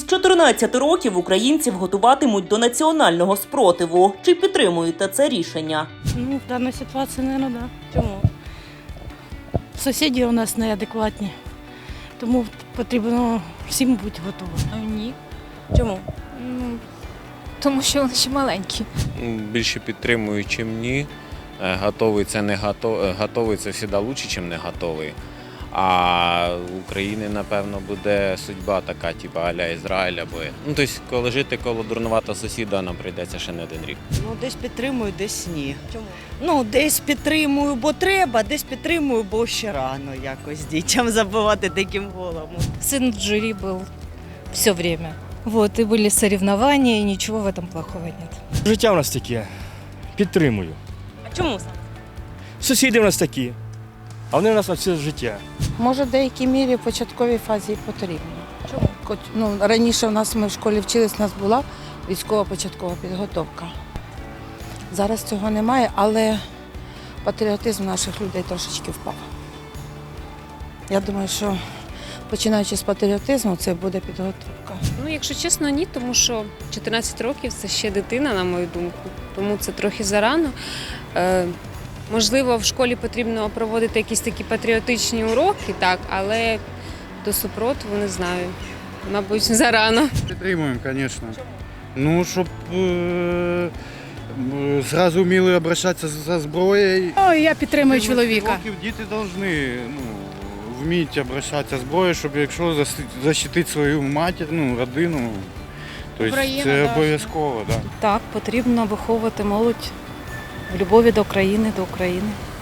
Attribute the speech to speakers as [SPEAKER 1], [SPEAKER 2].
[SPEAKER 1] З 14 років українців готуватимуть до національного спротиву. Чи підтримуєте це рішення?
[SPEAKER 2] В даній ситуації, мабуть, так. Чому? Сусіди у нас неадекватні, тому потрібно всім бути готовим.
[SPEAKER 3] Ні. Чому? Тому що вони ще маленькі.
[SPEAKER 4] Більше підтримую, чим ні. Готовий це не готовий це завжди краще, ніж не готовий. А в України, напевно, буде судьба така, типу а-ля Ізраїль або... тобто, коли жити коло дурнуватого сусіда, нам прийдеться ще не один рік.
[SPEAKER 5] Десь підтримую, десь ні. Чому? Десь підтримую, бо треба, десь підтримую, бо ще рано якось дітям забивати таким голом.
[SPEAKER 6] Сын в жюри был все время. Вот, и были соревнования, и ничего в этом плохого нет.
[SPEAKER 7] Життя в нас таке. Підтримую.
[SPEAKER 1] А чому?
[SPEAKER 7] Сусіди в нас такі, а вони в нас на все життя.
[SPEAKER 8] Може, в деякій мірі в початковій фазі і потрібно. Чому? Раніше ми в школі вчились, у нас була військова початкова підготовка. Зараз цього немає, але патріотизм наших людей трошечки впав. Я думаю, що починаючи з патріотизму, це буде підготовка.
[SPEAKER 9] Якщо чесно, ні, тому що 14 років – це ще дитина, на мою думку, тому це трохи зарано. Можливо, в школі потрібно проводити якісь такі патріотичні уроки, так, але до супротиву не знаю. Мабуть, зарано.
[SPEAKER 10] Підтримуємо, звісно. Щоб зразу вміли обращатися за зброєю.
[SPEAKER 2] Я підтримую чоловіка.
[SPEAKER 10] Діти повинні вміти обращатися з зброєю, щоб якщо захистити свою матір, родину, тобто це обов'язково. Да.
[SPEAKER 6] Так, потрібно виховувати молодь в любові до країни, до України.